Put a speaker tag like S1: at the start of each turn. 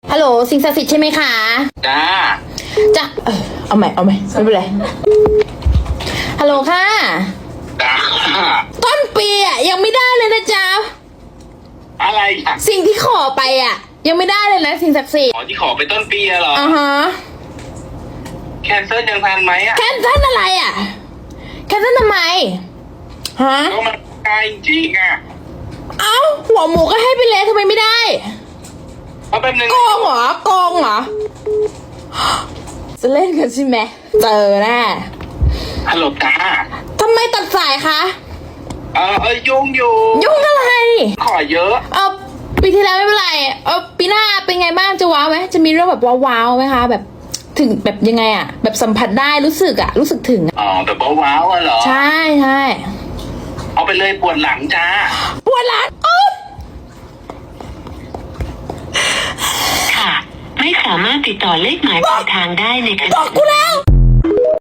S1: ฮัลโหลสิ่งศักดิ์สิทธิ์ใช่ไหมคะ
S2: จ้า
S1: เอาใหม่ไม่เป็นไรฮัลโหลค่ะ
S2: จ้า
S1: ต้นปีอ่ะยังไม่ได้เลยนะจ๊ะ
S2: อะไรอ่ะ
S1: สิ่งที่ขอไปอ่ะยังไม่ได้เลยนะสิ่งศักดิ์สิทธิ์
S2: ที่ขอไปต้นปีเหรอ
S1: ฮะ
S2: แคนเซิลยังทันไหมอ่ะ
S1: แคนเซิลอะไรอ่ะแคนเซิลทำไมฮะ
S2: ก็มันไกลจริงอ่ะ
S1: เอ้าหัวหมูก็ให้ไปเลยทำไมไม่ได้
S2: เอาแป๊บนึง
S1: โกงเหรจะเล่นกันใช่ไหมเจอแน่
S2: ฮัลโหลจ้า
S1: ทำไมตัดสายคะ
S2: ยุ่ง
S1: อะไร
S2: ขอเยอะ
S1: ปีที่แล้วไม่เป็นไรปีหน้าเป็นไงบ้างจะว้าวไหมจะมีเรื่องแบบว้าวไหมคะแบบถึงแบบยังไงอ่ะแบบสัมผัสได้รู้สึกถึง
S2: แบบว้าวเหรอ
S1: ใช่
S2: เอาไปเลยปวดหลังจ้า
S1: ปวดหลัง
S3: ค่ะไม่สามารถติดต่อเลขหมายปลายทางได้ในขณะ
S1: บอกกูแล้ว